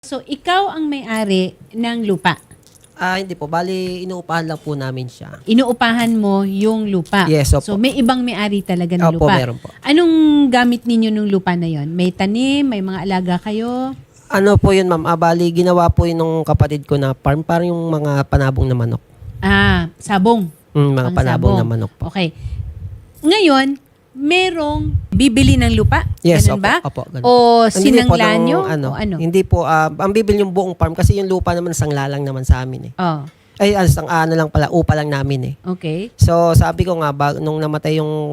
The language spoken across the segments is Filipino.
So, ikaw ang may-ari ng lupa. Hindi po. Bali, inuupahan lang po namin siya. Inuupahan mo yung lupa. Yes, opo. So, may ibang may-ari talaga ng Opo, lupa. meron po. Anong gamit ninyo ng lupa na yon? May tanim, may mga alaga kayo? Ano po yun, ma'am? Bali, ginawa po yun nung kapatid ko na farm. Parang yung mga panabong na manok. Sabong. Mga panabong na manok po. Okay. Ngayon, merong bibili ng lupa? Yes, Ganun opo, ba? opo, ganun. O Hindi po sinangla ng, nyo? ano, O ano? Hindi po. Ang bibili yung buong farm kasi yung lupa naman sangla lang naman sa amin eh. Oh, Ay, ano lang pala, upa lang namin eh. okay. So, sabi ko nga, nung namatay yung,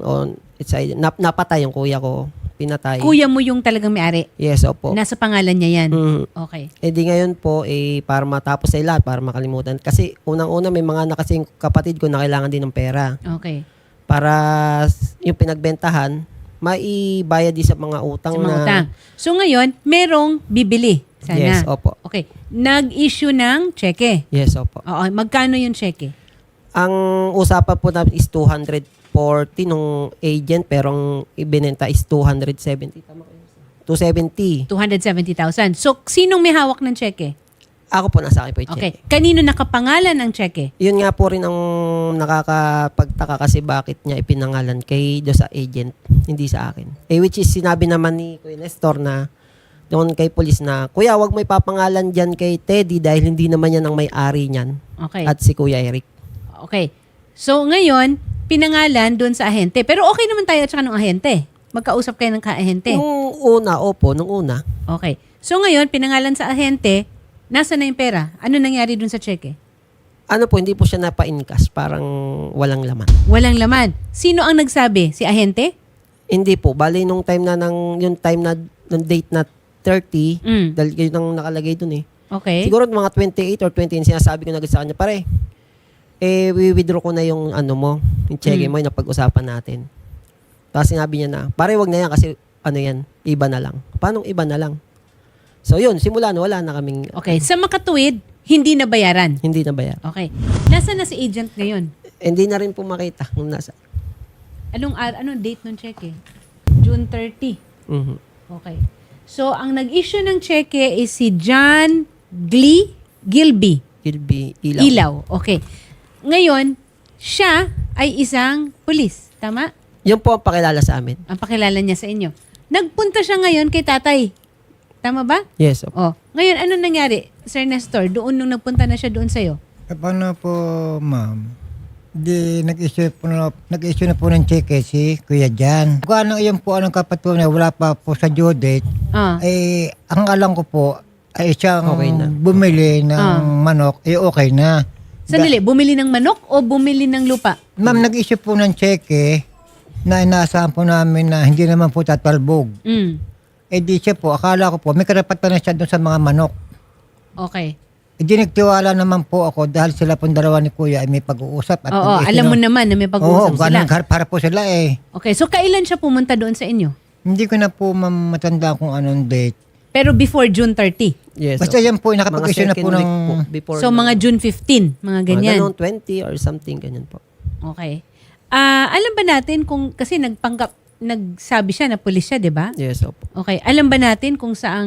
napatay yung kuya ko, pinatay. Kuya mo yung talagang may-ari? Yes, opo. Nasa pangalan niya yan? Mhm. Okay. Di ngayon po, para matapos sa lahat, para makalimutan. Kasi unang-una may mga nakasing kapatid ko na kailangan din ng pera. Okay. Para yung pinagbentahan, maibayad din sa mga utang Sa mga na... utang. So ngayon, merong bibili. Sana. Yes, opo. Okay. Nag-issue ng cheque. Yes, opo. Oo. Magkano yung cheque? Ang usapan po namin is 240 nung agent, pero ang ibinenta is 270. Tama kayo? 270. 270,000. So, sinong may hawak ng cheque? Ako po, nasa akin po yung Okay. check. Kanino nakapangalan ang cheque? Yun nga po rin ang nakakapagtaka kasi bakit niya ipinangalan do sa agent, hindi sa akin. Which is sinabi naman ni Kuya Nestor na doon kay police na, Kuya, wag mo ipapangalan dyan kay Teddy dahil hindi naman yan ang may-ari niyan. Okay. At si Kuya Eric. Okay. So, ngayon, pinangalan doon sa ahente. Pero okay naman tayo at saka ng ahente. Magkausap kayo ng ka-ahente. Nung una, opo, nung una. Okay. So, ngayon, pinangalan sa ahente, nasa na yung pera? Ano nangyari doon sa cheque? Ano po, hindi po siya napa-incas. Parang walang laman. Walang laman. Sino ang nagsabi? Si ahente? Hindi po. Bali, nung nung date na 30, Mm. dahil yun ang nakalagay dun eh. Okay. Siguro mga 28 or 29, sinasabi ko na agad sa kanya, pare, we-withdraw ko na yung yung cheque mo, yung napag-usapan natin. Tapos sinabi niya na, pare, wag na yan kasi yan, iba na lang. Paano iba na lang? So yun, simula na wala na kaming Okay. Sa makatuwid, hindi na bayaran. hindi na bayar. Okay. Nasaan na si agent ngayon? Hindi na rin po makita kung nasa. Anong date ng cheque? June 30. Mhm. Okay. So, ang nag-issue ng cheque is si John Gilby. Gilby, ilaw. Ilaw. Okay. Ngayon, siya ay isang pulis. Tama? Yun po ang pakilala sa amin. Ang pakilala niya sa inyo. Nagpunta siya ngayon kay tatay. Tama ba? Yes, opo. Oh. Ngayon, ano nangyari, Sir Nestor? Doon nung nagpunta na siya doon sa'yo? Paano po, ma'am? Nag-issue na po ng cheque si Kuya Jan. Kung ano yun po, anong kapatid na wala pa po sa due date, Ah. ang alam ko po, ay siyang Okay na. bumili ng manok, okay na. Sandali, bumili ng manok o bumili ng lupa? Ma'am, nag-issue po ng cheque na inaasahan po namin na hindi naman po tatalbog. Mm. Di siya po, akala ko po, may karapatan na siya doon sa mga manok. Okay. Di nagtiwala naman po ako dahil sila pong dalawa ni Kuya ay may pag-uusap. At Oo, nag-issue alam mo ng- naman na may Oo, pag-uusap sila. ganun, para po sila eh. Okay, so kailan siya pumunta doon sa inyo? Hindi ko na po matanda kung anong date. Pero before June 30. Yes, Basta opo. yan po, nakapag-issue na second po week ng... po, before So mga June 15, mga ganyan. Mga ganun, 20 or something, ganyan po. Okay. Alam ba natin kung, kasi nagsabi siya na pulis siya, di ba? Yes, opo. Okay. Alam ba natin kung saang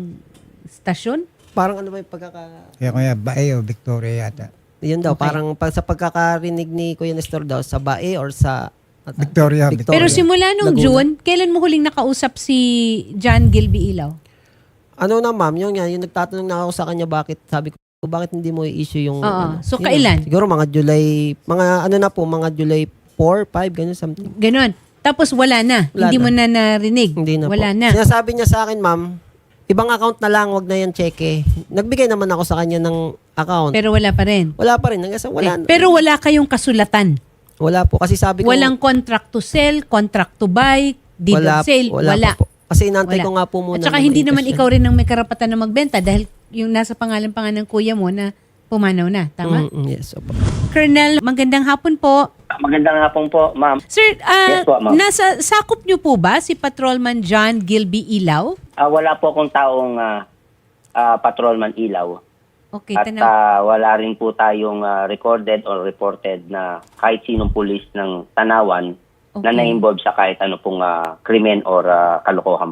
stasyon? Parang ano ba yung Kaya Kuya, Bae o Victoria yata. Yun daw, Okay. parang sa pagkakarinig ni Kuya Nestor daw, sa Bae or sa... Victoria. Pero simula nung Laguna. June, kailan mo huling nakausap si John Gilby Ilaw? Ano na ma'am, yung nagtatanong na ako sa kanya bakit hindi mo i-issue yung... Oo. So, yun kailan? na. Siguro mga July 4, 5, ganun something. Ganon. Tapos wala na. Wala Hindi na. mo na narinig. Hindi na Wala po. na. Sinasabi niya sa akin, ma'am, ibang account na lang, wag na yan cheque. Nagbigay naman ako sa kanya ng account. Pero wala pa rin. Wala pa rin. Hanggang sa wala. Okay. Pero wala kayong kasulatan. Wala po. Kasi sabi ko... Walang contract to sell, contract to buy, deed of sale. Wala. pa po. Kasi inantay Wala. ko nga po muna. At saka na hindi naman ma-invest ikaw rin ang may karapatan na magbenta dahil yung nasa pangalan pa nga ng kuya mo na pumanaw na. Tama? Yes, opo. Colonel, magandang hapon po. Magandang hapon po, ma'am. Sir, Yes po, ma'am. nasa sakop niyo po ba si Patrolman John Gilby Ilaw? Wala po akong taong patrolman ilaw. Okay, At wala rin po tayong recorded or reported na kahit sinong pulis ng Tanawan na Okay. na-involve sa kahit ano pong krimen or kalokohan po.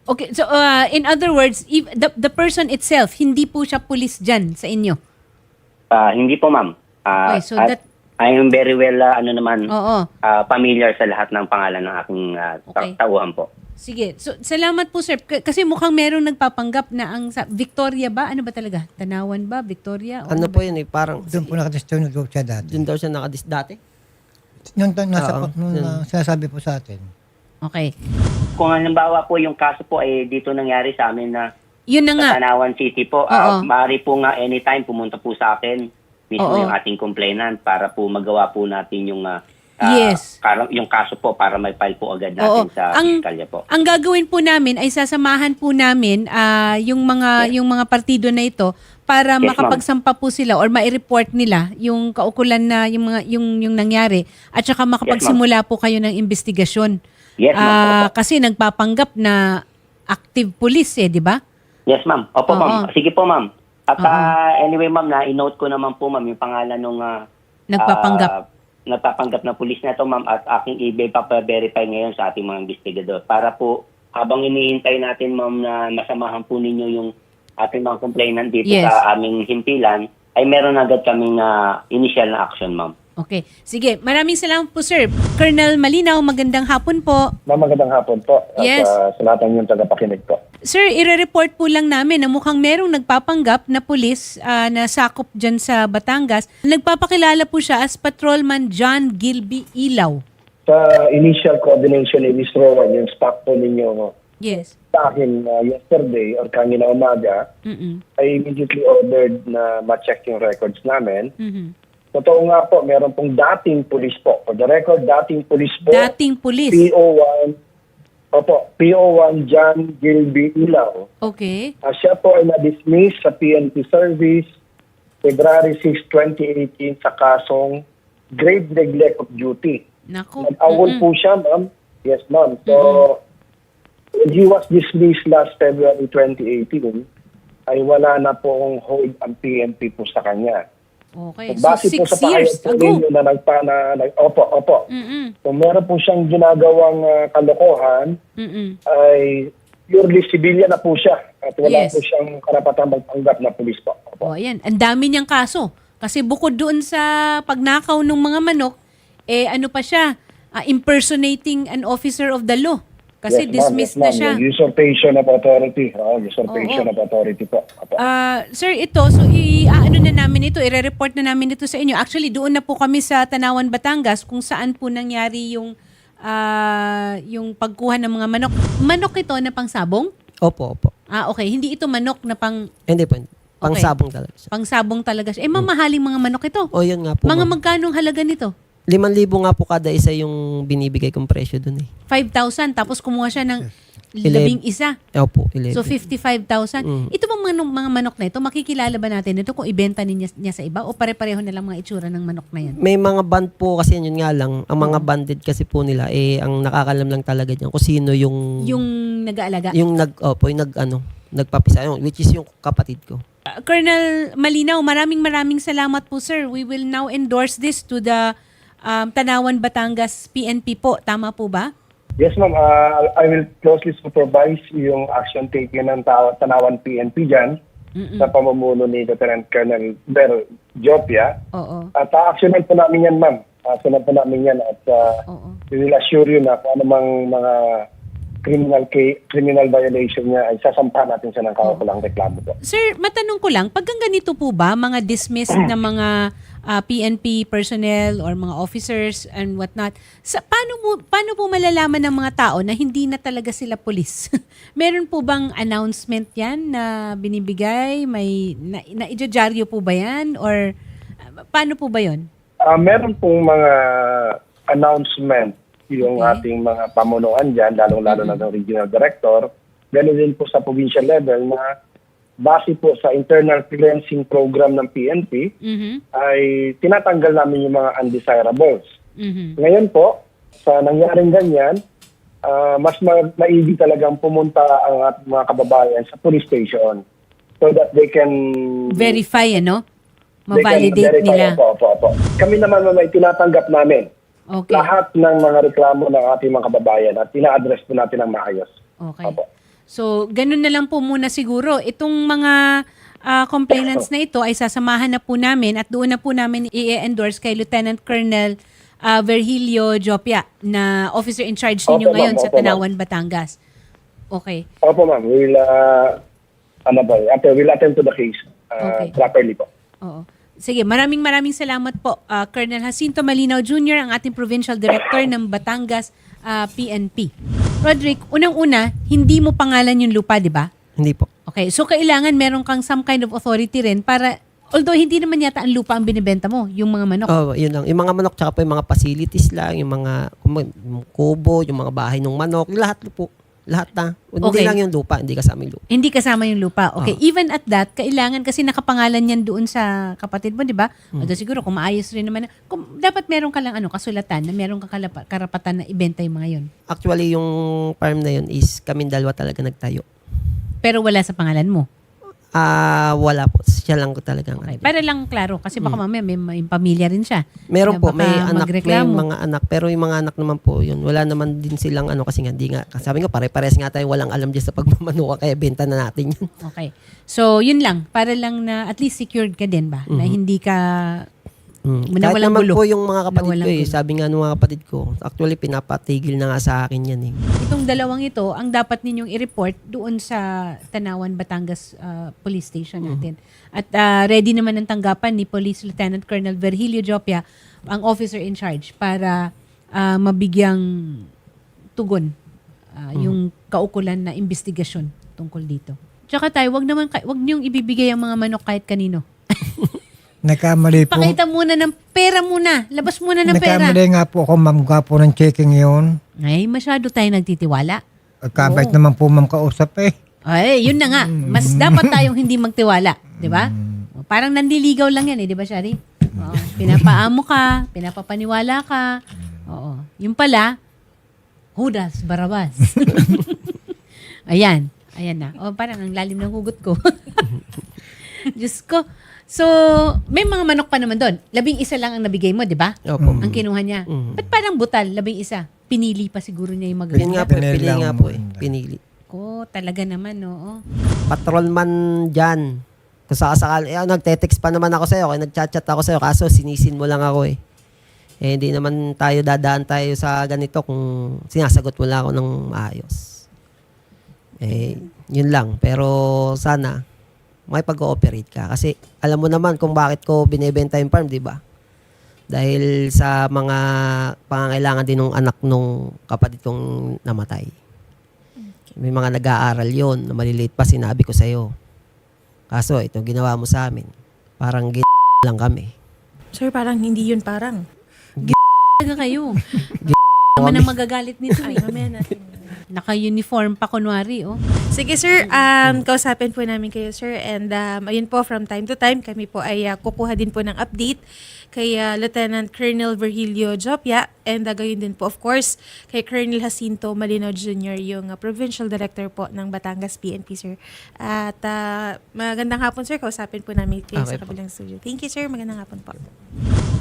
Okay, so in other words, if the person itself, hindi po siya pulis dyan sa inyo? Hindi po, ma'am. Okay, so At that- I am very well, Oo. familiar sa lahat ng pangalan ng aking Okay. tauhan po. Sige. So, salamat po, sir. Kasi mukhang merong nagpapanggap na Victoria ba? Ano ba talaga? Tanawan ba? Victoria? O Ano ba? po yun eh, parang Doon po nakatestyon siya dati. doon daw siya nakadis dati. Oo, Sinasabi po sa atin. Okay. Kung halimbawa po yung kaso po ay dito nangyari sa amin na Yun na nga. sa Tanawan City po, Oo. maaari po nga anytime pumunta po sa akin mismo Oo. yung ating complainant para po magawa po natin yung Yes. yung kaso po para may file po agad Oo. natin sa piskalya po. Ang gagawin po namin ay sasamahan po namin yung mga partido na ito para Yes, ma'am. makapagsampa po sila or mai-report nila yung kaukulan na yung nangyari at saka makapagsimula po kayo ng investigasyon. Yes, ma'am. Opo. Kasi nagpapanggap na active police di ba? Yes, ma'am. Opo, Oo. ma'am. Sige po, ma'am. At Oo. anyway, ma'am, na-note ko naman po, ma'am, yung pangalan nung nagpapanggap na pulis na to, ma'am, at aking i-verify ngayon sa ating mga investigador para po habang inihintay natin, ma'am, na masamahan po ninyo yung ating mga complainant dito Yes. sa aming himpilan, ay meron agad kaming initial na action, ma'am. Okay. Sige. Maraming salamat po, sir. Colonel Malinaw, magandang hapon po. Magandang hapon po. Yes. At sa lahat ng inyong tagapakinig po. Sir, ire-report po lang namin na mukhang merong nagpapanggap na pulis na sakop dyan sa Batangas. Nagpapakilala po siya as Patrolman John Gilby Ilaw. Sa initial coordination ni Ms. Rowan, yung stock po ninyo Yes. sa akin yesterday or kanina umaga, Mm-mm. I immediately ordered na ma-check yung records namin. Mhm. Totoo nga po, meron pong dating pulis po. For the record, dating pulis po. Dating pulis. PO1 John Gilby Ilaw. Okay. Siya po ay na-dismiss sa PNP service February 6, 2018 sa kasong grave neglect of duty. Nako. Nag-awol po siya, ma'am. Yes, ma'am. So, when he was dismissed last February 2018, ay wala na pong hold ang PNP po sa kanya. Okay. So, Base po 6 sa years pahayag po ago. ninyo na opo. Mm-mm. So, meron po siyang ginagawang kalokohan, Mm-mm. ay purely civilian na po siya. At wala Yes. po siyang karapatang magpanggap na pulis po. O, Opo. ayan. Ang dami niyang kaso. Kasi bukod doon sa pagnakaw ng mga manok, ano pa siya? Impersonating an officer of the law. Kasi Yes, ma'am. dismissed Yes, na ma'am. siya. Yung usurpation of authority. Usurpation Oo. of authority po. Opo. Sir, ito, so ano na namin ito, i-report na namin ito sa inyo. Actually, doon na po kami sa Tanawan, Batangas, kung saan po nangyari yung pagkuha ng mga manok. Manok ito na pangsabong? Opo. Okay. Hindi ito manok na Hindi po. Pangsabong talaga siya. pangsabong talaga siya. Mamahaling mga manok ito. O yun nga po. Mga ma'am. magkanong halaga nito? 5,000 nga po kada isa yung binibigay kong presyo dun eh. 5,000. Tapos kumuha siya ng 11. Opo, 11. So, 55,000. Ito bang mga manok na ito, makikilala ba natin ito kung ibenta niya sa iba o pare-pareho na lang mga itsura ng manok na yan? May mga band po kasi yun nga lang. Ang mga banded kasi po nila ang nakakalam lang talaga diyan kung sino yung Yung nag-aalaga? yung nagpapisa which is yung kapatid ko. Colonel Malinaw, maraming salamat po, sir. We will now endorse this to the Tanawan, Batangas PNP po. Tama po ba? Yes, ma'am. I will closely supervise yung action taken ng Tanawan PNP dyan sa pamumuno ni Lieutenant Colonel Ber Jopia. Oo. At actionan po namin yan, ma'am. Actionan po namin yan at Oo. we will assure you na kung anumang mga criminal violation niya ay sasampahan natin siya ng kaukulang reklamo po. Sir, matanong ko lang, pag ganito po ba, mga dismissed na mga PNP personnel or mga officers and whatnot, paano po malalaman ng mga tao na hindi na talaga sila polis? Meron po bang announcement yan na binibigay? May na-ijajaryo po ba yan? Or paano po ba yon? Meron pong mga announcement yung Okay. ating mga pamunuan dyan, lalong-lalo na ng regional director. Ganun din po sa provincial level na base po sa internal cleansing program ng PNP, Mhm. ay tinatanggal namin yung mga undesirables. Mhm. Ngayon po, sa nangyaring ganyan, mas maigi talagang pumunta ang ating mga kababayan sa police station so that they can Verify, ano? they can Ma-validate verify. nila. Opo. Kami naman may tinatanggap namin Okay. lahat ng mga reklamo ng ating mga kababayan at ina-address po natin ng maayos. Okay. Opo. So, ganun na lang po muna siguro. Itong mga complainants na ito ay sasamahan na po namin at doon na po namin i-endorse kay Lieutenant Colonel Virgilio Jopia na officer in charge ninyo Opo, ma'am. ngayon sa Opo, ma'am. Tanawan, Batangas. Okay. Opo, ma'am. We'll attend to the case Okay. properly po. Oo. Sige, maraming salamat po, Colonel Jacinto Malinaw Jr., ang ating Provincial Director ng Batangas PNP. Roderick, unang-una, hindi mo pangalan yung lupa, di ba? Hindi po. Okay, so kailangan meron kang some kind of authority rin para, although hindi naman yata ang lupa ang binibenta mo, yung mga manok. Oh, yun lang. Yung mga manok tsaka po yung mga facilities lang, yung mga yung kubo, yung mga bahay ng manok, lahat po. Lahat na. Hindi Okay. lang yung lupa, hindi kasama yung lupa. Hindi kasama yung lupa. Okay, Oo. even at that, kailangan kasi nakapangalan yan doon sa kapatid mo, di ba? Although siguro kung maayos rin naman, dapat meron ka lang kasulatan na meron kang karapatan na ibenta yung mga yun. Actually, yung farm na yun is kaming dalawa talaga nagtayo. Pero wala sa pangalan mo. Wala po. Siya lang ko talagang. Okay. Para lang klaro, kasi baka mamaya may pamilya rin siya. Meron Na po, baka may anak, may magreklamo. mga anak. Pero yung mga anak naman po yun, wala naman din silang kasi nga, di nga. Sabi nga, pare-pares nga tayo walang alam dyan sa pagmamanuka, kaya benta na natin yun. Okay. So, yun lang. Para lang na at least secured ka din ba? Na hindi ka na Kahit walang naman gulo. po yung mga kapatid Na walang ko gulo. sabi nga ng mga kapatid ko, actually pinapatigil na nga sa akin yan Itong dalawang ito, ang dapat ninyong i-report doon sa Tanawan, Batangas Police Station natin. At ready naman ang tanggapan ni Police Lieutenant Colonel Virgilio Jopia, ang officer in charge, para mabigyang tugon yung kaukulan na investigasyon tungkol dito. Tsaka tayo, wag niyong ibibigay ang mga manok kahit kanino. Nagkamali po. Pakita muna ng pera muna. Labas muna ng pera. Nagkamali nga po ako, ma'am, po ng checking yun. Ay, masyado tayo nagtitiwala. Kabait naman po, ma'am, kausap eh. Ay, yun na nga. Mas dapat tayong hindi magtiwala. Di ba? Parang nandiligaw lang yan eh. Di ba, Shari? Oo. Pinapaamo ka. Pinapapaniwala ka. Oo. Yung pala, Judas Barabas. Ayan. Ayan na. O, parang ang lalim ng hugot ko. Diyos ko. So, may mga manok pa naman doon. 11 lang ang nabigay mo, di ba? Opo. Ang kinuha niya. Ba't parang butal? 11. Pinili pa siguro niya yung Yun magaganda. nga po, Pinili pili lang nga mo. po Pinili. Ko, talaga naman, oo. Patrolman dyan. Kung sakasakal, nagte-text pa naman ako sa'yo, kaya nagchat-chat ako sa'yo, kaso sinisin mo lang ako eh. Hindi naman tayo dadaan tayo sa ganito kung sinasagot mo lang ako ng maayos. Yun lang. Pero sana, may pag-ooperate ka. Kasi alam mo naman kung bakit ko binebenta yung farm, di ba? Dahil sa mga pangangailangan din ng anak nung kapatid kong namatay. May mga nag-aaral yon na maliliit pa, sinabi ko sa'yo. Kaso ito ginawa mo sa amin. Parang lang kami. Sir, parang hindi yun parang. Talaga kayo. Naman ang magagalit nito eh. Mamaya natin. Naka-uniform pa kunwari, oh. Sige sir, kausapin po namin kayo sir and ayun po from time to time kami po ay kukuha din po ng update kay Lieutenant Colonel Virgilio Jopia and gayon din po of course kay Colonel Jacinto Malinaw Jr. yung Provincial Director po ng Batangas PNP sir. At magandang hapon sir, kausapin po namin kayo Okay sa po. kabilang studio. Thank you sir, magandang hapon po.